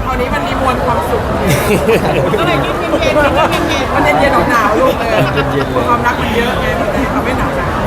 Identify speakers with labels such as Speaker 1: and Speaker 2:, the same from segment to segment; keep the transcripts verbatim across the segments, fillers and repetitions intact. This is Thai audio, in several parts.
Speaker 1: คราวนี้มันมีมวลความสุขก็เลยยิ่งเย็นๆยิ่งเย็นๆมันเย็นๆหนาวๆลูกเลยความรักมันเยอะไงมันเลยทำให้หนาวอ่ะ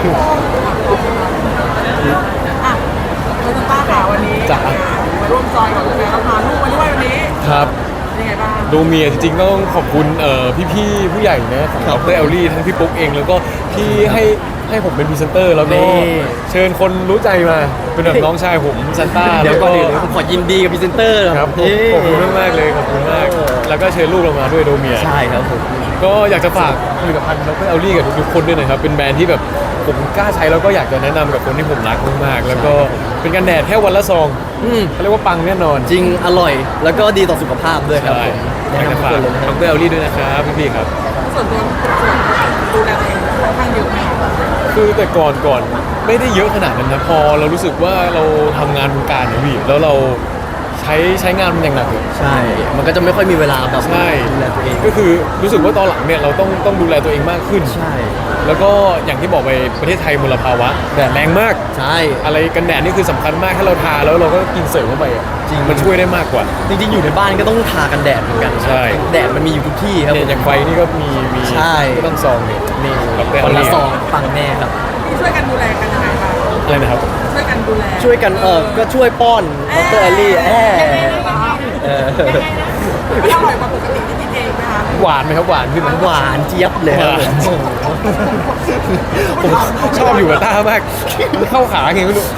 Speaker 1: คุณป้าค่ะวันนี้มาร่วมจอยกับคุณแม่เราพาลูกมาด้วยวันนี้
Speaker 2: ครับ
Speaker 1: ยังไงบ้าง
Speaker 2: ดูเมียจริงๆต้องขอบคุณเอ่อพี่ๆผู้ใหญ่นะของดรเอลลี่ทั้งพี่ปุ๊กเองแล้วก็ที่ให้ให้ผมเป็นพรีเซนเตอร์แล้วก็เชิญคนรู้ใจมาเป็นแบบน้องชายผมซันต้า
Speaker 3: เดี๋ยวก่อนอื่นผมขอยินดีกับพรีเซนเตอร์
Speaker 2: ครับขอบคุณมากๆเลยขอบคุณมากแล้วก็เชิญลูกเรามาด้วยโดเมีย
Speaker 3: ใช่ครับผม
Speaker 2: ก็อยากจะฝากผลิตภัณฑ์ดรเอลลี่กับทุกๆคนด้วยนะครับเป็นแบรนด์ที่แบบผมกล้าใช้แล้วก็อยากจะแนะนำกับคนที่ผมรักมากๆแล้วก็เป็นกันแดดแค่วันละซองเขาเรียกว่าปังแน่นอน
Speaker 3: จริงอร่อยแล้วก็ดีต่อสุขภาพด้วยครับผม
Speaker 2: อยากจะฝากดรเอลลี่ด้วยนะครับพี่ๆครับ
Speaker 1: ส่วนตัวดูแลตัวเองค่อนข้างเยอะไหม
Speaker 2: คือแต่ก่อนก่อนไม่ได้เยอะขนาดนั้นนะพอเรารู้สึกว่าเราทำงานวงการเนี่ยพี่แล้วเราใช้ใช้งานมันอย่างหนักเลย
Speaker 3: ใช่มันก็จะไม่ค่อยมีเวลาแบบ
Speaker 2: ใช่
Speaker 3: ดูแลตัวเอง
Speaker 2: ก็คือรู้สึกว่าตอนหลังเนี่ยเราต้องต้องดูแลตัวเองมากขึ้น
Speaker 3: ใช่
Speaker 2: แล้วก็อย่างที่บอกไปประเทศไทยมลภาวะแดดแรงมาก
Speaker 3: ใช่
Speaker 2: อะไรกันแดดนี่คือสำคัญมากถ้าเราทาแล้วเราก็กินเสริมเข้าไปจริงมันช่วยได้มากกว่า
Speaker 3: จริงๆอยู่ในบ้านก็ต้องทากันแดดเหมือนกัน
Speaker 2: ใช่
Speaker 3: แดดมันมีอยู่ทุกที่ครับ
Speaker 2: เนี่ยอย่างไฟนี่ก็มีมี
Speaker 3: ใช่
Speaker 2: ก็ต้องซองเนี่ย
Speaker 3: นี่คนละซองปังแน่ครับ
Speaker 1: ช่วยกันดูแลกันยังไงบ้าง
Speaker 2: อะไรนะครับ
Speaker 1: ช่วยกันดูแล
Speaker 3: ช่วยกันเออก็ช่วยป้อนดรเอลลี่แอบ
Speaker 1: เออไม่อร่อยกว่าปกติที่กินเองไหมคะ
Speaker 2: หวานไหมครับหวานขึ้น
Speaker 3: หวานเจี๊ยบเลยครับ
Speaker 2: ผมชอบอยู่กับต้ามากมันเข้าขาไงไม่รู้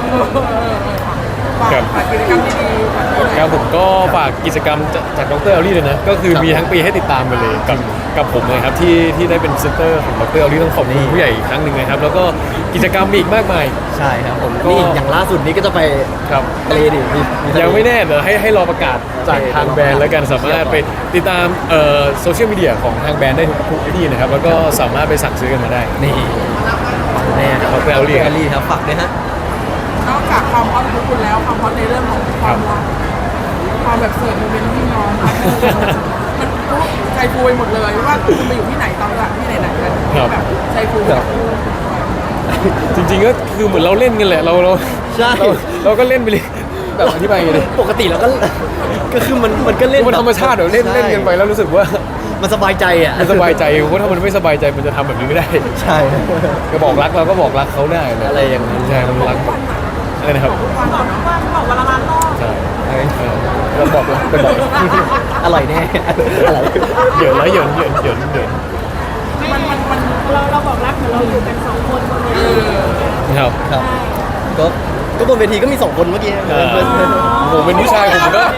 Speaker 1: ฝากกิจกรรมดีๆ
Speaker 2: ครับผมก็ฝากกิจกรรมจากดรเอลลี่เลยนะก็คือมีทั้งปีให้ติดตามกันเลยกับกับผมเลยครับที่ที่ได้เป็นพรีเซนเตอร์ของดรเอลลี่ต้องขอบคุณผู้ใหญ่อีกครั้งหนึ่งนะครับแล้วก็กิจกรรมมีอีกมากมาย
Speaker 3: ใช่ครับผมนี่อย่างล่าสุดนี้ก็จะไป
Speaker 2: ครับ
Speaker 3: ทะเลดิ
Speaker 2: ยังไม่แน่เดี๋ยวให้ให้รอประกาศจากทางแบรนด์แล้วกันสามารถไปติดตามเอ่อโซเชียลมีเดียของทางแบรนด์ได้ทุกที่นะครับแล้วก็สามารถไปสั่งซื้อกันมาได้
Speaker 3: นี่แน่
Speaker 2: ครับดรเอลลี่
Speaker 3: ครับฝากด้วยฮะ
Speaker 1: นอกจากความฮอตของคุณแล้วความฮอตในเรื่องของความรักความแบบเสิร์ฟโมเมนต์พี่น้องมันใจฟูไปหมดเลยว่าคุณไปอยู่ที่ไหนตอนหลังที่ไหนไหนกันแบบใจฟูแบบ
Speaker 2: จริงๆก็คือเหมือนเราเล่นกันแหละเราเรา
Speaker 3: ใช่
Speaker 2: เราก็เล่นไปเลยแบบอธิบายเลย
Speaker 3: ปกติเราก็ก็คือมันมันก็เล่น
Speaker 2: มันธรรมชาติเดี๋ยวเล่นเล่นกันไปแล้วรู้สึกว่า
Speaker 3: มันสบายใจอ่ะ
Speaker 2: มันสบายใจเพราะถ้ามันไม่สบายใจมันจะทำแบบนี้ไม่ได้
Speaker 3: ใช่
Speaker 2: ก็บอกรักเราก็บอกรักเขาได้
Speaker 3: อะไรอย่างนั้น
Speaker 2: ใช่มันรักอะไรนะครับ
Speaker 1: วันวันบอกวันละล้านรอบ
Speaker 2: ใช่เราบอกรักไปบอก
Speaker 3: อร่อยแน่อะไร
Speaker 2: เหยินแล้วเหยินเหยินเหยินเหยิน
Speaker 1: มันมันมันเราเราบอกรักเหมือนเราอยู่กันสองคนบนเวที
Speaker 2: ครับ
Speaker 3: ครับก็ก็บนเวทีก็มีสองคนเมื่อกี้
Speaker 2: ผมเป็นผู้ชายผมก็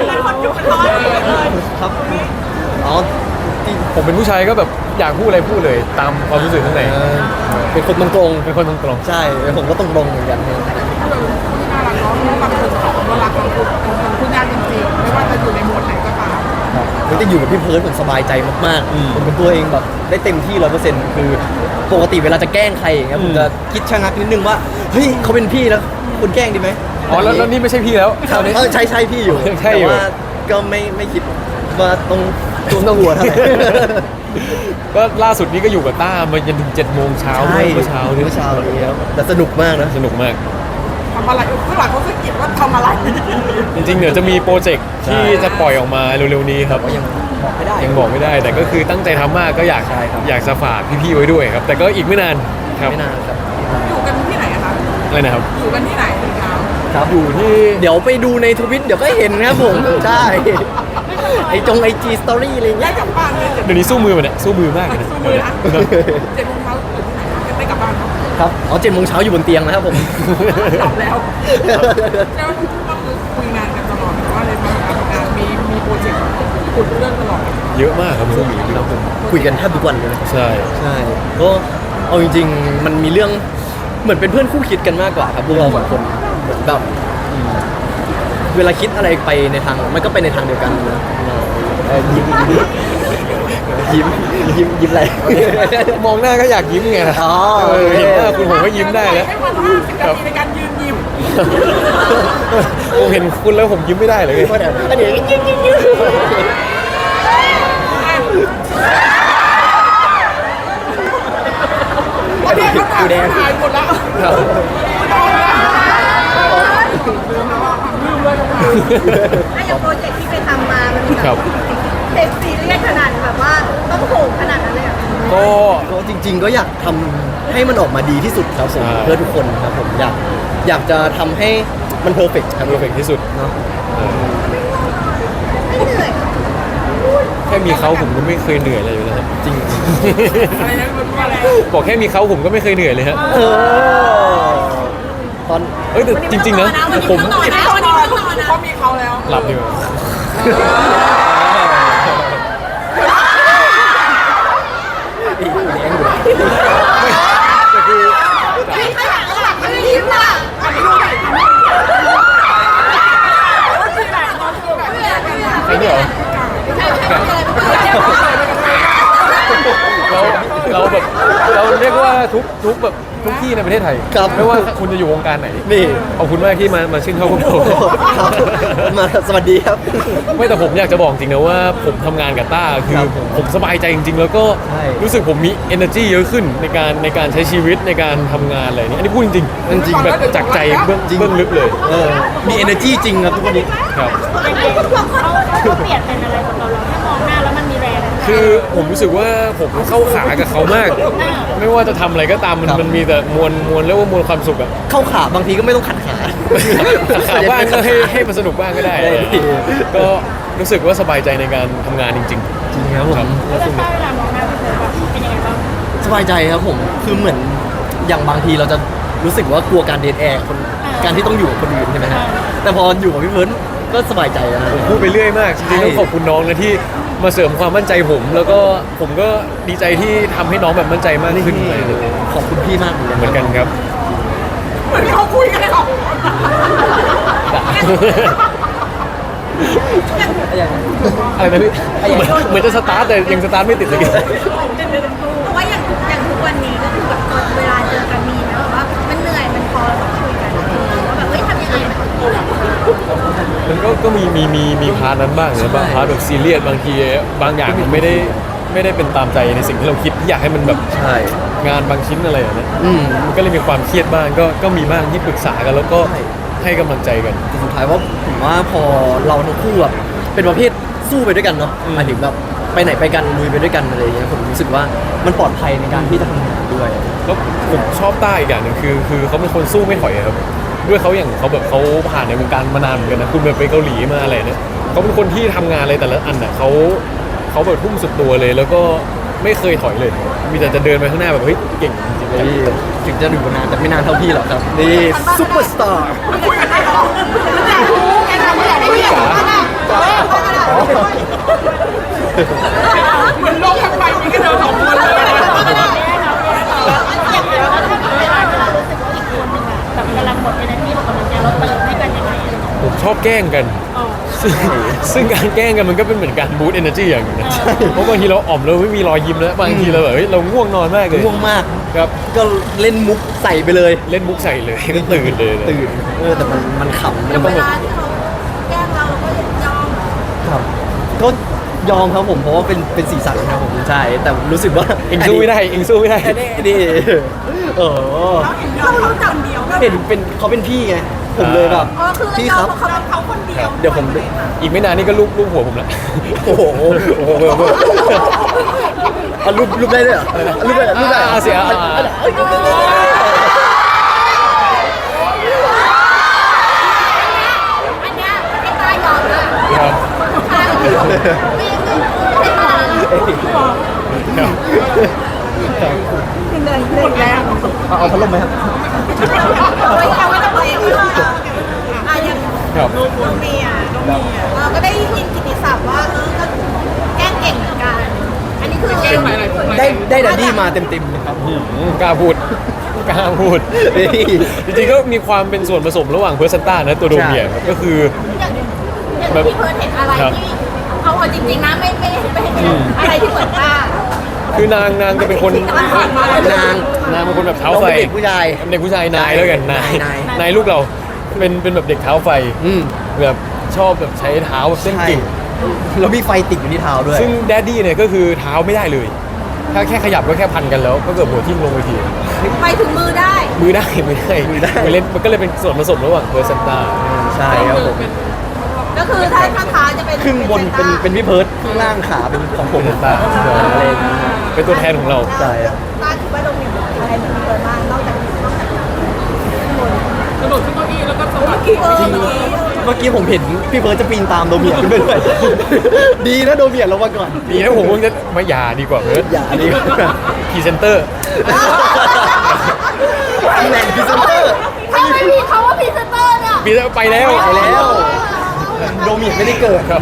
Speaker 3: ครับอ๋อ
Speaker 2: ผมเป็นผู้ชายก็แบบอยากพูดอะไรพูดเลยตามความรู้สึกข้างใน
Speaker 3: เป็นคนตรง
Speaker 2: ๆเป็นคนตรง
Speaker 3: ๆใช่ผมก็ตรงๆเหมือนกัน
Speaker 1: น่ารักเนาะบางคนเขาก็รักเราคุณคุณยากจริงๆไม่ว่าจะอยู่ในโหมดไหนก็ตาม
Speaker 3: ไม่ได้อยู่กับพี่เพิร์ดผมสบายใจมากๆผมเป็นตัวเองแบบได้เต็มที่ร้อยเปอร์เซ็นต์คือปกติเวลาจะแกล้งใครอย่างเงี้ยผมจะคิดชะงักนิดนึงว่าเฮ้ยเขาเป็นพี่แล้วคุณแกล้งดีไหม
Speaker 2: อ๋อแล้วนี่ไม่ใช่พี่แล้ว
Speaker 3: เออใช่ใช่พี่อยู่
Speaker 2: แต่
Speaker 3: ว่าก็ไม่ไม่คิดว่าตรงตรงหัวเท่าไหร่
Speaker 2: ก็ล่าสุดนี้ก็อยู่กับต้ามาจนถึงเจ็ดโมงเช้าเมื่อเช้า
Speaker 3: เมื่อเช้านี้ครับแต่สนุกมากนะ
Speaker 2: สนุกมาก
Speaker 1: ทำอะไรข้างหลังเขาสังเกตว่าทำอะไร
Speaker 2: จริงๆเดี๋ยวจะมีโปรเจกต์ที่จะปล่อยออกมาเร็วๆนี้ครับ
Speaker 3: ยังบอกไม่ได้
Speaker 2: ยังบอกไม่ได้แต่ก็คือตั้งใจทำมากก็อยากอยากจะฝากพี่ๆไว้ด้วยครับแต่ก็อีกไม่นานครับ
Speaker 3: ไม่นานครับ
Speaker 1: อยู่กันที่ไหนคะ
Speaker 2: อะไรนะครับ
Speaker 1: อยู่กันที่ไหนครับ
Speaker 2: ครับอยู่ที่
Speaker 3: เดี๋ยวไปดูในทวิตเดี๋ยวก็เห็นครับผมใช่ไอจงไอจีสตอรี่อะไรเงี้ย
Speaker 1: กลับบ้านเลย
Speaker 2: เดี๋ยวนี้สู้มือมันเนี่ยสู้มือมากเลย
Speaker 1: สู้มือนะเจ็ดโมงเช้าอยู่ที่ไหนกันไม่กลับบ้าน
Speaker 3: ครับอ๋อเจ็ดโมงเช้าอยู่บนเตียงนะครับผม
Speaker 1: หลับแล้วแล้วก็คือคุยงานกันตลอดว่าเลยมาทำงานมีมีโปรเจกต์ขุดเรื่องตลอด
Speaker 2: เยอะมากครับสู้มือ
Speaker 3: ครับผมคุยกันแทบทุกวันเลย
Speaker 2: ใช่
Speaker 3: ใช่ก็เอาจริงๆมันมีเรื่องเหมือนเป็นเพื่อนคู่คิดกันมากกว่าครับพวกเราสองคนแบบเวลาคิดอะไรไปในทางมันก็ไปในทางเดียวกันนะยิ้มยิ้มยิ้มยิ้มอะไร
Speaker 2: มองหน้าก็อยากยิ้มไง
Speaker 3: อ๋อ
Speaker 2: เห็นหน้าคุณผมก็ยิ้มได้แล้ว
Speaker 1: ครับในการยืนยิ้ม
Speaker 2: ผมเห็นคุณแล้วผมยิ้มไม่ได้เลย
Speaker 3: อันนี้ยิ้มยิ้มยิ้ม
Speaker 1: อันนี้เขาถ่ายถ่ายหมดแล้ว
Speaker 4: ถ้าอย่างโปร
Speaker 2: ครับ
Speaker 4: เทคซีเรียสขนาดแบบว่าต้องโหขนาดนั้นเลยเหรอ
Speaker 2: ก็
Speaker 3: ก็จริง ๆ ก็อยากทำให้มันออกมาดีที่สุดครับผม
Speaker 2: ใช่
Speaker 3: เพื่อทุกคนครับผมอยากอยากจะทำให้มันเพอร์เฟกต์ครับ
Speaker 2: เพอร์เฟกที่สุด
Speaker 3: เนาะ
Speaker 2: เออ
Speaker 4: ไม่เหนื่อย
Speaker 2: แค่มีเขาผมก็ไม่เคยเหนื่อยเลยอยู่แล้วครับจริง
Speaker 1: อะไรนะมันว่าอะไร
Speaker 2: บอกแค่มีเขาผมก็ไม่เคยเหนื่อยเลยฮะ
Speaker 3: เออตอน
Speaker 2: เอ้ยแต่จริง ๆ นะผม
Speaker 1: วันนี้เขานอนเขามีเขาแล้ว
Speaker 2: หลับดีกว่า
Speaker 3: อีกเลี้ยงอยู่
Speaker 2: แต่คือ
Speaker 4: ไม่ขนาดหลังไม่ยิ้มอ่ะ
Speaker 1: อันนี้ดูหน่อยอันนี้ดูหน่อยนอนคือแบบ
Speaker 2: ใครเนี่ยเหรอเราเราแบบเราเรียกว่าทุกทุกแบบทุกที่ในประเทศไทย
Speaker 3: ครับ
Speaker 2: ไม่ว่าคุณจะอยู่วงการไหน
Speaker 3: นี่
Speaker 2: ขอบคุณมากที่มามาชื่นชอบพวกเรา
Speaker 3: ครับมาสวัสดีครับ
Speaker 2: ไม่แต่ผมอยากจะบอกจริงนะว่าผมทำงานกับต้าคือ
Speaker 3: ครับ
Speaker 2: ผมสบายใจจริง ๆ แล้วก็
Speaker 3: ใช่
Speaker 2: รู้สึกผมมี energy เยอะขึ้นในการในการใช้ชีวิตในการทำงานอะไรนี้อันนี้พูดจริงๆ
Speaker 3: จริงๆ
Speaker 2: แบบจากใจเบื้องเบื้องลึกเลย
Speaker 3: เออมี energy จริงครับทุกคนนี้
Speaker 2: ครับ
Speaker 4: เขาเปลี่ยนเป็นอะไรของเราเราแค่มองหน้าแล้วมันมีแรง
Speaker 2: คือผมรู้สึกว่าผมเข้าขากับเขามาก ไม่ว่าจะทำอะไรก็ตามมัน
Speaker 3: ครับ
Speaker 2: มันมีแต่มวลมวลเรียกว่ามวลความสุขอะ
Speaker 3: เข้าขาบางทีก็ไม่ต้องขัดขา
Speaker 2: ขัดขาบ้างก็ให้ให้มันสนุกบ้างก็ได้
Speaker 3: ได้ดี
Speaker 2: ก็รู้สึกว่าสบายใจในการทำงานจริง
Speaker 3: จริงครับผม
Speaker 4: แล้วถ้าเวลามองหน้าพี่เพิร์ดแบบเป็นยังไงบ้าง
Speaker 3: สบายใจครับผมคือเหมือนอย่างบางทีเราจะรู้สึกว่ากลัวการเดทแอร์คนการที่ต้องอยู่กับคนอื่นใช่ไหมฮะแต่พออยู่กับพี่เพิร์นก็สบายใจนะ
Speaker 2: ๆผมพูดไปเรื่อยมากจริงๆต้องขอบคุณน้องนะที่มาเสริมความมั่นใจผม แล้วก็ผมก็ดีใจที่ทำให้น้องแบบมั่นใจมากขึ้น
Speaker 3: ขอบคุณพี่มากเลย
Speaker 2: เหมือนกันครับ
Speaker 1: เหมือนเขาคุยกันเลยหรอ
Speaker 2: อะไรนะพี่เหมือนเหมือนจะสตาร์ทแต่ยังสตาร์ทไม่ติดเลย
Speaker 4: เพราะว่าอย่างอย่างทุกวันนี้ก็คือแบบตอนเวลาเจอกันมีนะแบบว่ามันเหนื่อยมันพอเราต้องคุยกันว่าแบบเฮ้ยทำยังไงมันถึงจะ
Speaker 2: มันก็ก็มีมีมีมีพาร์ทนั้นบ้างนะบางพาร์ทแบบซีเรียสบางทีบางอย่างมันไม่ได้ไม่ได้เป็นตามใจในสิ่งที่เราคิดที่อยากให้มันแบบ
Speaker 3: ใช่
Speaker 2: งานบางชิ้นอะไรอย่างเงี้ย
Speaker 3: อืม
Speaker 2: มันก็เลยมีความเครียดบ้างก็ก็มีบ้างที่ปรึกษากันแล้วก็
Speaker 3: ใช่
Speaker 2: ให้กำลังใจกัน
Speaker 3: แต่สุดท้ายว่าผมว่าพอเราทั้งคู่แบบเป็นประเภทสู้ไปด้วยกันเนาะ
Speaker 2: อืม
Speaker 3: หมายถึงแบบไปไหนไปกันลุยไปด้วยกันอะไรอย่างเงี้ยผมรู้สึกว่ามันปลอดภัยในการที่จะทำงานด้วย
Speaker 2: แล้วผมชอบต้าอีกอย่างหนึ่งคือคือเขาเป็นคนสู้ไม่ถอยอะครับด้วยเขาอย่างเขาแบบเขาผ่านในวงการมานานเหมือนกันนะคุณแบบไปเกาหลีมาอะไรเนี่ยเขาเป็นคนที่ทำงานอะไรแต่ละอันน่ะเขาเขาแบบทุ่มสุดตัวเลย แล้วก็ไม่เคยถอยเลย มีแต่จะเดินไปข้างหน้าแบบเฮ้ยเก่งจริงๆเลย
Speaker 3: นี่ถึงจะอยู่นานแต่ไม่นานเท่าพี่หรอกครับนี่ซุปเปอร์สตาร์
Speaker 1: คุยกันได้หรอแกทำไม่ได้ไม่ได้เหมือนโลกทั้งใบมีแค่เดินสองคนเลย
Speaker 4: อย่างเดียวแล้วถ้าเวลาเวลารู้สึกว่าอีกคนหนึ่งอะแบบกำลังหมด energy หมดกำลังใจเราเติมให้กันยังไงอะ
Speaker 2: ผมชอบแกล้งกัน ซึ่งซึ่งการแกล้งกันมันก็เป็นเหมือนการบูตเอเนอร์จีอย่างหนึงนะเพราะบางทีเราอ่อมเราไม่มีรอยยิ้มแล้วบางทีเราแบบเฮ้ยเราง่วงนอนมากเลย
Speaker 3: ง่วงมาก
Speaker 2: ครับ
Speaker 3: ก็เล่นมุกใส่ไปเลย
Speaker 2: เล่นมุกใส่เลยก็ตื่นเลยนะ
Speaker 3: ตื่นเออแต่มันมันขำ
Speaker 2: มันต้อง
Speaker 4: เว
Speaker 2: แบบ
Speaker 4: ลาที่เขาแกล้งเราเราก็ยอม
Speaker 3: ครับก็ยอมครับผมเพราะว่าเป็นเป็นสีสันครับผมใช่แต่รู้สึกว่า
Speaker 2: เองสู้ไม่ได้เองสู้ไม่ได้
Speaker 3: อันนี้อันนี้เออ
Speaker 4: เราเขาจังเดียว
Speaker 3: เห็นเป็นเขาเป็นพี่ไงผมเลยแบบ
Speaker 4: อ๋อคือเรา
Speaker 3: พี่
Speaker 4: ย
Speaker 3: ค
Speaker 4: อ
Speaker 3: รั
Speaker 4: ม
Speaker 3: บ
Speaker 4: เขาเขาคนเดียว
Speaker 3: เดี๋ยวผม
Speaker 2: อีกไม่นานนี่ก็ลูบลูบหัวผมแล้ว
Speaker 3: โอ้โหโอ้โหโอ้โหเอารูปรูปได้ด้วยเหรอรูปได้รูปได้
Speaker 2: อ่าเสียอ่า
Speaker 4: อันเนี้ยไม่ตายยอมเลย
Speaker 2: ครับ
Speaker 4: ใช่ไม่ไม่ตาย
Speaker 2: ครับ
Speaker 4: เหนื่อยเหนื่อยแล้ว
Speaker 3: เอาเอาพัดลมไหมครับ
Speaker 4: เอาไว้เอาไว้ทำไมอ่ะอ่ะยัง
Speaker 2: ครับ
Speaker 4: น้องเมียน้องเมียเราก็ได้ยินกิตติศัพท์ว่าเออก็แกล้งเก่งเหมือนกัน อันนี้คือ
Speaker 1: เกมหลายๆคน
Speaker 3: ได้ได้ดัดดี้มาเต็มเต็มๆครับ
Speaker 2: อืมกล้าพูดกล้าพูด
Speaker 3: เฮ้ย
Speaker 2: จริงๆก็มีความเป็นส่วนผสมระหว่างเพอร์เซนต้านะตัวโดเมียครับก็คือ
Speaker 4: อย่างอย่างที่เพิร์นเห็นอะไรที่เขาเอาจริงๆนะไม่ไม่ไม่เห็นอะไรที่เหมือนป้า
Speaker 2: คือนางนางจะเป็นคน
Speaker 4: ที่ผ่านมาเลย
Speaker 3: นาง
Speaker 2: นางเป็นคนแบบเท้า
Speaker 3: น้อง
Speaker 2: ไฟ
Speaker 3: เป็นเด็กผู้ชาย
Speaker 2: เป็นเด็กผู้ชายนายแล้วกันนาย
Speaker 3: นาย
Speaker 2: นายลูกเราเป็นเป็นแบบเด็กเท้าไฟ
Speaker 3: อืม
Speaker 2: แบบชอบแบบใช้เท้าแบบเส้นกิ่ง
Speaker 3: แล้วมีไฟติดอยู่ที่เท้าด้วย
Speaker 2: ซึ่งแดดดี้เนี่ยก็คือเท้าไม่ได้เลย ถ้าแค่ขยับก็แค่พันกันแล้ว ก็เกิดหัวทิ่มลงไปที
Speaker 4: ไปถึงมือได้
Speaker 2: มือได้มือได้
Speaker 3: มือได้
Speaker 2: มันเล่นมันก็เลยเป็นส่วนผสมระหว่างเพอร์เซนต้า
Speaker 3: ใช่ครับผม
Speaker 1: เป็น
Speaker 4: ก็คือถ้าถ้าท้าจะเป็น
Speaker 3: ครึ่งบนเป็นเป็นพี่เพิร์ดครึ่งล่างขาเป็นของผม
Speaker 2: เป็นตา
Speaker 3: อะไรอย่างเงี้ย
Speaker 2: เป็นตัวแทนของเรา
Speaker 3: ใช่ครับ
Speaker 4: ตาคิดว่าโดมินอะไรเหมือนพี่เบิร์ดบ้างนอกจากนอกจาก
Speaker 1: กระโดดขึ้นเก้าอี้แล้วก็สะบัด
Speaker 4: เออเมื่อกี้
Speaker 3: เมื่อกี้ผมเห็นพี่เพิร์ดจะปีนตามโดเมียขึ้นไปด้วย ดีนะโดเมียลงมาก่อน
Speaker 2: ดีนะผมเพิ่งจะมาหยาดีกว่าเพิร์ด
Speaker 3: อย่าดีกว่า
Speaker 2: พรีเซนเตอร์
Speaker 3: ตำแหน่งพรีเซนเตอร์
Speaker 4: ถ้าไม่มีเขาว่าพรีเซนเตอร์เนี่ย
Speaker 2: ปีไปแล้ว
Speaker 3: ไปแล้ว โดเมียไม่ได้เกิด
Speaker 2: ครับ
Speaker 3: ดี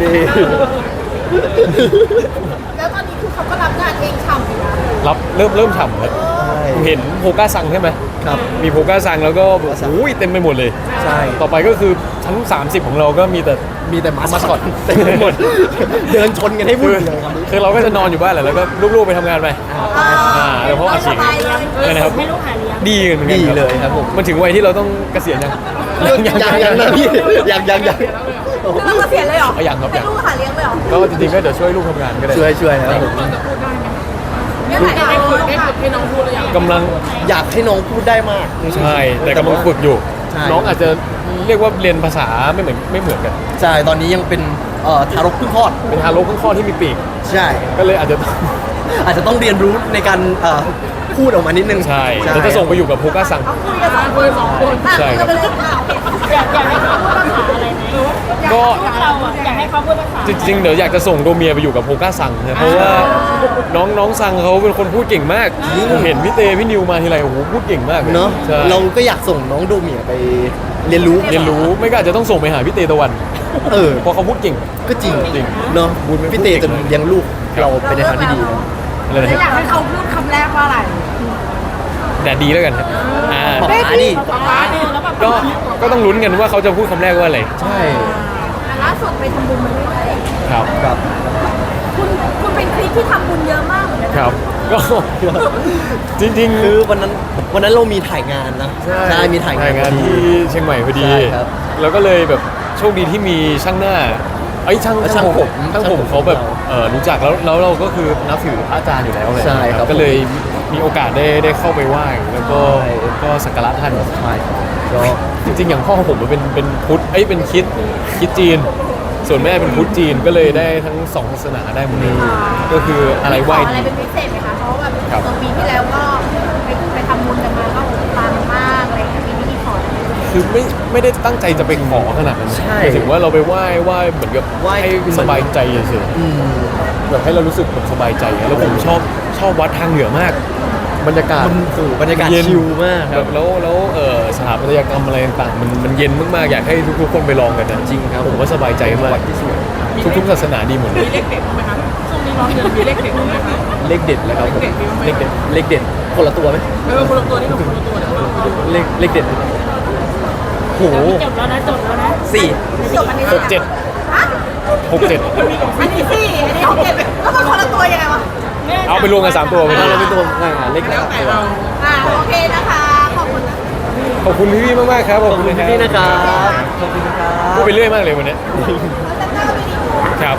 Speaker 4: แล้วตอนนี้คือเขาก็รับงานเองฉ่ำอยู่นะ
Speaker 2: รับเริ่มเริ่มฉ่ำครับ
Speaker 3: ใช่
Speaker 2: ผมเห็นโพก้าซังใช่ไหม
Speaker 3: ครับ
Speaker 2: มีโพก้าซังแล้วก็แบบโอ้ยเต็มไปหมดเลย
Speaker 3: ใช่
Speaker 2: ต่อไปก็คือชั้นสามสิบของเราก็มีแต่
Speaker 3: มีแต่มาส
Speaker 2: มาส
Speaker 3: ค
Speaker 2: ค
Speaker 3: อ
Speaker 2: อ
Speaker 3: ต
Speaker 2: ต
Speaker 3: เต็มไปหมด เดินชนกันให้วุ่
Speaker 2: คื
Speaker 3: น
Speaker 2: อ
Speaker 3: เลยครับ
Speaker 2: คือเราก็จะนอนอยู่บ้านแหละแล้วก็ลูกๆไปทำงานไปอ่าเดี๋ยวพ่ออาชีพอะไรนะครับ
Speaker 4: ให้ลูกหาเลี้ยง
Speaker 2: ดีกันเหมือนกัน
Speaker 3: ดี
Speaker 2: ครับ
Speaker 3: เลยครับผม
Speaker 2: มันถึงวัยที่เราต้องเกษียณยัง
Speaker 3: ยังยังยังนะพี่ยังยังยัง
Speaker 4: คือเราเกษียณเลยเหรอ
Speaker 2: เอาอย่างครับอ
Speaker 4: ให้
Speaker 2: ย่าง
Speaker 4: ลูกหาเลี้ยงเลยเหรอ
Speaker 2: ก็จริงๆก็เดี๋ยวช่วยลูกทำงานก็ได้
Speaker 3: ช่วยช่วยนะครับผม
Speaker 1: เราจะพูดได้ไหม
Speaker 4: เนี่ยไหน
Speaker 1: ได้
Speaker 4: เอา
Speaker 1: ฝึกได้ฝึกให้น้องพูดหรือยัง
Speaker 2: กำลัง
Speaker 3: อยากให้น้องพูดได้มาก
Speaker 2: ใช่แต่กำลังฝึกอยู่
Speaker 3: ใช่
Speaker 2: น้องอาจจะเรียกว่าเรียนภาษาไม่เหมือนไม่เหมือนกัน
Speaker 3: ใช่ตอนนี้ยังเป็นเอ่อทารกเพิ่งคลอด
Speaker 2: เป็นทารกข้างข้อที่มีปีก
Speaker 3: ใช่
Speaker 2: ก็เลยอาจจะ
Speaker 3: อาจจะต้องเรียนรู้ในการเอ่อพูดออกมานิดนึง
Speaker 2: ใช่เดี๋ยวจะส่งไปอยู่กับโพก้าซัง
Speaker 4: เอาคุยกันสองคน
Speaker 1: สองคน
Speaker 2: ใช่ครับ
Speaker 4: ก็เป็นเรื่องราวอยากอยากให้เขาพูดภาษาอะไรไหม
Speaker 2: ก็
Speaker 4: เราอ่ะอยากให้เขาพูดภาษา
Speaker 2: จริงๆเดี๋ยวอยากจะส่งโดเมียไปอยู่กับโพก้าซังนะเพราะว่าน้องน้องซังเขาเป็นคนพูดเก่งมากผมเห็นพี่เตพี่นิวมาทีไรโอ้โหพูดเก่งมากลย
Speaker 3: เนาะ
Speaker 2: ใช่
Speaker 3: เราก็อยากส่งน้องโดเมียไปเรียนรู้
Speaker 2: เรียนรู้ไม่ก็อาจจะต้องส่งไปหาพี่เตตะวัน
Speaker 3: เออ
Speaker 2: เพราะเขาพูดเก่ง
Speaker 3: ก็จริง
Speaker 2: จริง
Speaker 3: เนาะ
Speaker 2: บุญไม่
Speaker 3: พี่เต
Speaker 2: พูดเก่
Speaker 3: จะ
Speaker 2: ง
Speaker 3: เลี้ยงลูกเราไปในทางที่ดีนะ
Speaker 2: อะไรนะ
Speaker 4: อยากให้เขาพูดคำแรกว่าอะไร
Speaker 2: แต่ดีแล้วกันครับอ่า
Speaker 3: ป๊าป๊าดิ
Speaker 1: ฟ้าเนี่ยแล้วแบบ
Speaker 2: ก็ก็ต้องลุ้นกันว่าเขาจะพูดคำแรกว่าอะไร
Speaker 3: ใช่
Speaker 4: แต่ล่าสุดไปทำบุญมาด้วย
Speaker 2: ครับ
Speaker 3: ครับ
Speaker 4: คุณคุณเป็นคลิปที่ทำบุญเยอะมากเหมือนกันนะครับ
Speaker 2: ก็ จริงๆ
Speaker 3: คือวันนั้นวันนั้นเรามีถ่ายงานนะมีถ่ายงาน
Speaker 2: งานที่เชียงใหม่พอดี
Speaker 3: ใช่ครับ
Speaker 2: แล้วก็เลยแบบโชคดีที่มีช่างหน้าไอ้ยช่าง
Speaker 3: ช่างผม
Speaker 2: ช่างผม
Speaker 3: ช่างผม
Speaker 2: เขาแบบ
Speaker 3: เรา
Speaker 2: เออรู้จักแล้วแล้วเราก็คือนับถือพระอาจารย์อยู่แล้วเลย
Speaker 3: ใช่ครับ
Speaker 2: ก็เลยมีโอกาสได้ได้เข้าไปไหว้แล้วก็
Speaker 3: ใช่
Speaker 2: ก็สักการะท่าน
Speaker 3: ใช่ครับก็
Speaker 2: จริงๆ อย่างพ่อผมเป็นเป็นพุทธเอ้ยเป็นคริดคริดจีน ส่วนแม่เป็นพุทธจีนก็เลยได้ทั้งสองศาสนาได้หมดเลยก็คืออะไรไหว้
Speaker 4: ขออะไร
Speaker 2: ดี
Speaker 4: เป็นพิเศษไหมคะ เพราะว่าแบบ
Speaker 2: ครับ
Speaker 4: ตัวปีที่แล้วก็ไปไปทำบุญกันมาก็ปังมากอะไรอย่างเงี้ยปีนี้มีขออะไรไหม
Speaker 2: คือไม่ไม่ได้ตั้งใจจะไปขอขนาดนั้น
Speaker 3: ใช่
Speaker 2: หมายถึงว่าเราไปไหว้ไหว้เหมือนกับ
Speaker 3: ไหว้
Speaker 2: ให้สบายใจเฉย
Speaker 3: อืม
Speaker 2: ๆแบบให้เรารู้สึกแบบสบายใจแล้วผมชอบชอบวัดทางเหนือมาก บรรยากาศ
Speaker 3: มันโอ้โหบรรยากาศ
Speaker 2: เย็น
Speaker 3: ชิลมากค
Speaker 2: แบ
Speaker 3: รับบ
Speaker 2: แล้วแล้วเออสถาปัตยกรรมอะไรต่างๆมันมันเย็นมากๆอยากให้ทุกๆคนไปลองกันนะ
Speaker 3: จริงครับ
Speaker 2: ผมว่าสบายใจมาก
Speaker 3: วัดที่สวย
Speaker 2: ทุกๆศาสนาดีหมดเลย
Speaker 1: มีเลขเด็ดบ้างไหมคะช่วงนี้น้องเดือนมีเลขเด็ดบ้างไหมคะ
Speaker 3: เลขเด็ดเลยครับผม
Speaker 1: เล
Speaker 3: เล
Speaker 1: ข
Speaker 3: ข
Speaker 1: เด็
Speaker 3: เด็
Speaker 1: ด
Speaker 3: ดเลขเด็ดคนละตัวไหม
Speaker 1: เออคนละตัวนี่กับคนละตัวเดี๋ยวเราไปดู
Speaker 3: เลขเลขเด็ดโห
Speaker 4: จบแล้วนะจบแล้วนะ
Speaker 3: สี่
Speaker 4: จบอันนี้
Speaker 2: หกเจ็ด
Speaker 4: ฮะ
Speaker 2: หกเจ็ด
Speaker 4: อันนี้สี่อันนี้หกเจ็ดแล้วมันคนละตัวยังไงวะ
Speaker 2: เอาไปรวมกันสามตัวไป
Speaker 3: เรา
Speaker 2: เลย
Speaker 3: เป็นตัวอ่าเลข
Speaker 1: แล้ว
Speaker 3: สาม
Speaker 1: แต่
Speaker 3: ตัว
Speaker 1: เรา
Speaker 4: อ่าโอเคนะคะ ขอบคุณนะ
Speaker 2: ขอบคุณพี่ๆมากๆครับข
Speaker 3: ข
Speaker 2: อ
Speaker 3: อ
Speaker 2: บบ คุ
Speaker 3: คุณ ณ
Speaker 2: นะ
Speaker 3: พี่ๆ
Speaker 2: ค
Speaker 3: นะ
Speaker 2: รับ
Speaker 3: ครับขอบคุณครับ
Speaker 2: พูดไปเรื่อยมากเลยวันเนี้ยครับ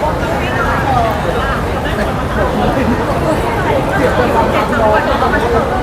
Speaker 3: ครับ